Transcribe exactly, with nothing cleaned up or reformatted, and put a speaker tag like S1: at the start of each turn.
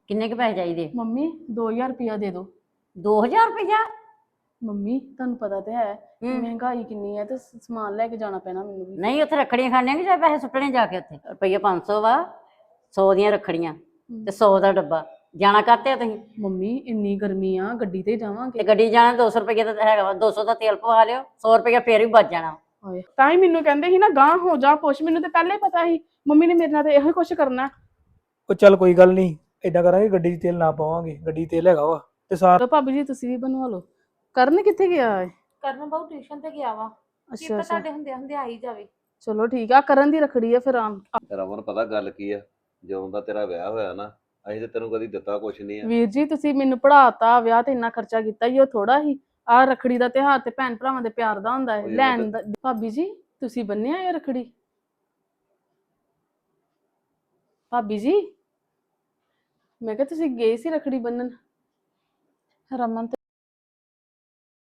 S1: ਕਿੰਨੇ ਕੁ ਪੈਸੇ ਚਾਹੀਦੇ?
S2: ਮੰਮੀ ਦੋ ਹਜ਼ਾਰ ਰੁਪਇਆ ਦੇ ਦਿਓ।
S1: ਦੋ ਹਜ਼ਾਰ ਰੁਪਇਆ?
S2: ਮੰਮੀ ਤੁਹਾਨੂੰ ਪਤਾ ਤੇ ਹੈ
S1: ਹੂੰ।
S2: ਮਹਿੰਗਾਈ ਕਿੰਨੀ ਹੈ ਤੇ ਸ- ਸਮਾਨ ਲੈ ਕੇ ਜਾਣਾ ਪੈਣਾ ਮੈਨੂੰ ਵੀ।
S1: ਨਹੀਂ ਉੱਥੇ ਰੱਖੜੀਆਂ ਖਾਣੀਆਂ ਕਿ ਜਾਂ ਪੈਸੇ ਸੁੱਟਣੇ ਜਾ ਕੇ ਉੱਥੇ? ਰੁਪਈਆ ਪੰਜ ਸੌ ਵਾ, ਸੌ ਦੀਆਂ ਰੱਖੜੀਆਂ ਤੇ ਸੌ ਦਾ ਡੱਬਾ। ਜਾਣਾ ਕਾਤੇ ਆ ਤੁਸੀਂ?
S2: ਮੰਮੀ ਇੰਨੀ ਗਰਮੀ ਆ ਗੱਡੀ ਤੇ
S1: ਤੇ
S2: ਜਾਵਾਂਗੇ।
S1: ਗੱਡੀ ਜਾਣਾ ਦੋ ਸੌ ਰੁਪਈਆ ਤਾਂ ਹੈਗਾ ਵਾ, ਦੋ ਸੌ ਦਾ ਤੇਲ ਪਵਾ ਲਿਓ, ਸੌ ਰੁਪਈਆ ਫੇਰ ਵੀ ਬਚ ਜਾਣਾ।
S2: ਹਾਏ ਤਾਂ ਹੀ ਮੈਨੂੰ ਕਹਿੰਦੇ ਸੀ ਨਾ ਗਾਂ ਹੋ ਜਾ ਪੁੱਛ, ਮੈਨੂੰ ਤੇ ਪਹਿਲਾਂ ਹੀ ਪਤਾ ਸੀ ਮੰਮੀ ਨੇ ਮੇਰੇ ਨਾਲ ਤੇ ਇਹੋ ਹੀ ਕੁਛ ਕਰਨਾ।
S3: ਉਹ ਚੱਲ ਕੋਈ ਗੱਲ ਨਹੀਂ, ਏਦਾਂ ਕਰਾਂਗੇ ਗੱਡੀ 'ਚ ਤੇਲ ਨਾ ਪਾਵਾਂਗੇ, ਗੱਡੀ 'ਚ ਤੇਲ ਹੈਗਾ ਵਾ ਤੇ ਸਾਰ
S2: ਚਲੋ ਭਾਬੀ ਜੀ ਤੁਸੀਂ ਵੀ ਬਣਵਾ ਲਓ। ਕਰਨ ਕਿੱਥੇ ਗਿਆ ਹੈ?
S4: ਕਰਨ ਬਹੁ ਟਿਊਸ਼ਨ ਤੇ ਗਿਆ ਵਾ। ਕੀ
S2: ਅੱਛਾ
S4: ਪਤਾ
S2: ਅੱਛਾ
S4: ਤੁਹਾਡੇ ਹੁੰਦੇ ਹੁੰਦੇ ਆ ਹੀ ਜਾਵੇ।
S2: ਚਲੋ ਠੀਕ ਆ, ਕਰਨ ਦੀ ਰੱਖੜੀ ਆ ਫਿਰ ਆਮ।
S5: ਰਮਨ ਪਤਾ ਗੱਲ ਕੀ ਆ, ਜਦੋਂ ਦਾ ਤੇਰਾ ਵਿਆਹ ਹੋਇਆ ਨਾ ਅਸੀਂ ਤੇ ਤੈਨੂੰ ਕਦੀ ਦਿੱਤਾ ਕੁਛ ਨਹੀਂ ਆ।
S2: ਵੀਰ ਜੀ ਤੁਸੀਂ ਮੈਨੂੰ ਪੜਾਤਾ, ਵਿਆਹ ਤੇ ਇੰਨਾ ਖਰਚਾ ਕੀਤਾ ਹੀ ਉਹ ਥੋੜਾ ਹੀ। ਆ ਰੱਖੜੀ ਦਾ ਤਿਉਹਾਰ ਤੇ ਭੈਣ ਭਰਾਵਾਂ ਦੇ ਪਿਆਰ ਦਾ ਹੁੰਦਾ ਹੈ,
S5: ਉਹ ਯਾਰ
S2: ਲੈਣ ਦਾ। ਭਾਬੀ ਜੀ ਤੁਸੀਂ ਬੰਨਿਆ ਇਹ ਰੱਖੜੀ? ਭਾਬੀ ਜੀ ਮੈਂ ਕਿਹਾ ਤੁਸੀਂ ਗਏ ਸੀ ਰੱਖੜੀ ਬੰਨਣ। ਰਮਨ ਤੇ